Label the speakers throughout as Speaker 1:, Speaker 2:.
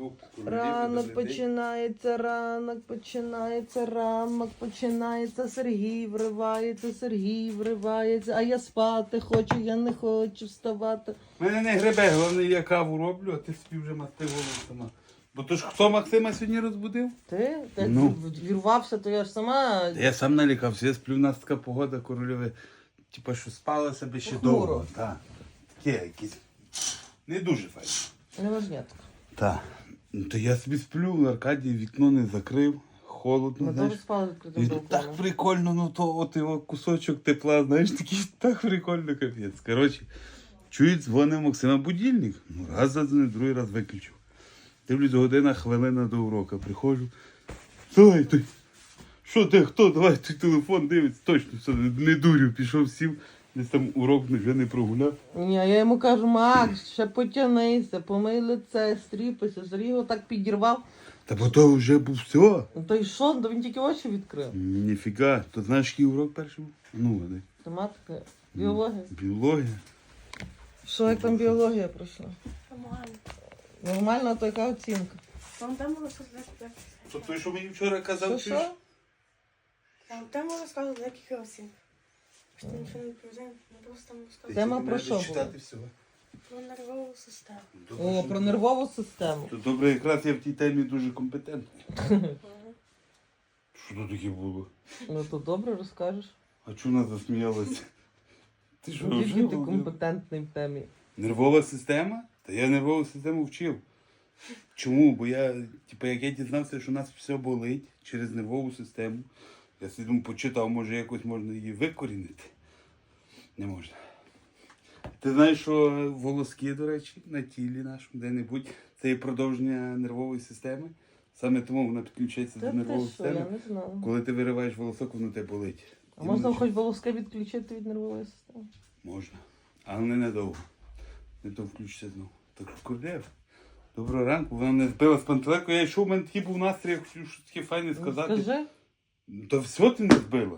Speaker 1: трубку.
Speaker 2: Ранок починається, ранок починається, Сергій вривається, а я спати хочу, я не хочу вставати.
Speaker 1: Мене не гребе, головне я каву роблю, а ти собі вже масти голову сама. Бо то ж хто Максима сьогодні розбудив?
Speaker 2: Ти? Ти
Speaker 1: Ну.
Speaker 2: вірвався, то я ж сама...
Speaker 1: Я сам налякався, я сплю, у нас така погода корольове. Типа, що спала себе ще
Speaker 2: Похмуро.
Speaker 1: довго. Так. Таке якісь. Не дуже файно.
Speaker 2: Неважнятко.
Speaker 1: Так. То я собі сплю, Аркадій вікно не закрив, холодно,
Speaker 2: Ми
Speaker 1: знаєш.
Speaker 2: теж спали відкритим
Speaker 1: І
Speaker 2: балконом.
Speaker 1: так прикольно, ну то от його кусочок тепла, знаєш, такий так прикольно, капець. Коротше, чують, дзвонив Максима будильник. Ну, раз задзвонив, другий раз виключив. Дивлюсь, година, хвилина до уроку. Приходжу. Давай ти. Що ти, хто? Давай той телефон дивиться. Точно, все, не дурю, пішов, сів. Десь там урок вже не прогуляв.
Speaker 2: Ні, я йому кажу, Макс, ще потягнися, помий лице, стріпайся. Сергій його так підірвав.
Speaker 1: Та бо то вже був все.
Speaker 2: Ну то й що? То він тільки очі відкрив.
Speaker 1: Ніфіга. То знаєш, який урок перший був? Ну, вони.
Speaker 2: Тематика, біологія.
Speaker 1: Біологія.
Speaker 2: Що, як там біологія пройшла?
Speaker 3: Нормально.
Speaker 2: Нормально, а то яка оцінка?
Speaker 3: Вам там розказати.
Speaker 1: То той, що мені вчора казав,
Speaker 2: Що?
Speaker 3: Вам там розказувати декілька осіб. Що ти нічого не відповідає, ми просто там розказувати.
Speaker 2: Тема про що була?
Speaker 1: читати всього.
Speaker 3: Про нервову систему.
Speaker 2: О, про нервову систему.
Speaker 1: То добре, якраз я в тій темі дуже компетентний. Що то таке було?
Speaker 2: Ну то добре розкажеш.
Speaker 1: А чого вона засміялася? Ти що,
Speaker 2: Який
Speaker 1: вже
Speaker 2: ти
Speaker 1: був?
Speaker 2: компетентний в темі.
Speaker 1: Нервова система? Та я нервову систему вчив. Чому? Бо я, як я дізнався, що у нас все болить через нервову систему, я собі думаю, почитав, може якось можна її викорінити. Не можна. Ти знаєш, що волоски, до речі, на тілі нашому, де-небудь, це є продовження нервової системи. Саме тому вона підключається
Speaker 2: Та
Speaker 1: до нервової
Speaker 2: ти що, я
Speaker 1: системи.
Speaker 2: не знала.
Speaker 1: Коли ти вириваєш волосок, воно тебе болить.
Speaker 2: А можна хоч волоски відключити від нервової системи?
Speaker 1: Можна. Але не надовго. Не то включиться знову. Так що Королєв, доброго ранку. Вона мене збила з пантелику. Я йшов, у мене такий був настрій, я хотів щось таке файне
Speaker 2: Ну,
Speaker 1: сказати.
Speaker 2: скажи.
Speaker 1: То все ти не збила.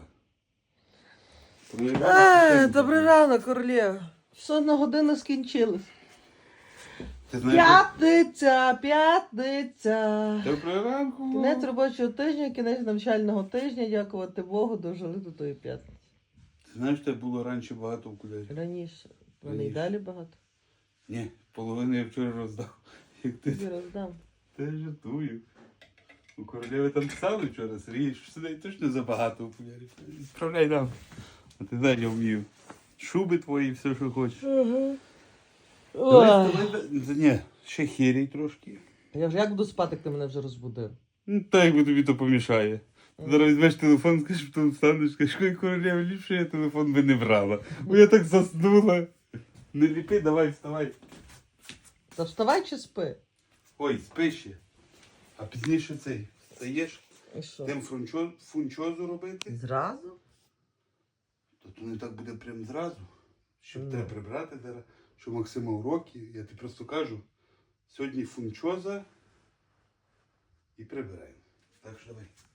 Speaker 2: Добрий ранок, королєва. Все, одна година скінчилась.
Speaker 1: Ти знаєш,
Speaker 2: П'ятниця.
Speaker 1: доброго ранку.
Speaker 2: Кінець робочого тижня, кінець навчального тижня. Дякувати Богу, дожили до тої п'ятниці.
Speaker 1: Ти знаєш, тебе було раніше багато окулярів?
Speaker 2: Раніше. Вони й
Speaker 1: Раніше.
Speaker 2: далі багато.
Speaker 1: Ні, половину я вчора роздав. Як ти
Speaker 2: Тобі роздам.
Speaker 1: Та жартую. У Королєви там писали вчора, Сергій, що сюди точно забагато окулярів. Справляй нам. А ти знаєш, я вмію. Шуби твої, все, що хочеш.
Speaker 2: Ой.
Speaker 1: Ні, ще хірій трошки.
Speaker 2: Я вже як буду спати, як ти мене вже розбудив?
Speaker 1: Ну, так якби тобі то помішає. Ти зараз візьмеш телефон, скажеш, потім встанеш, скажеш, ой, Королєва, ліпше я телефон би не брала. Бо я так заснула. Не ліпи, давай, вставай.
Speaker 2: Та вставай чи спи?
Speaker 1: Ой, спи ще. А пізніше цей встаєш,
Speaker 2: І що?
Speaker 1: тим фунчозу робити.
Speaker 2: Зразу?
Speaker 1: То не так буде прям зразу. Щоб треба прибрати зараз, що Максима уроки. Я тобі просто кажу, сьогодні фунчоза і прибираємо. Так що давай.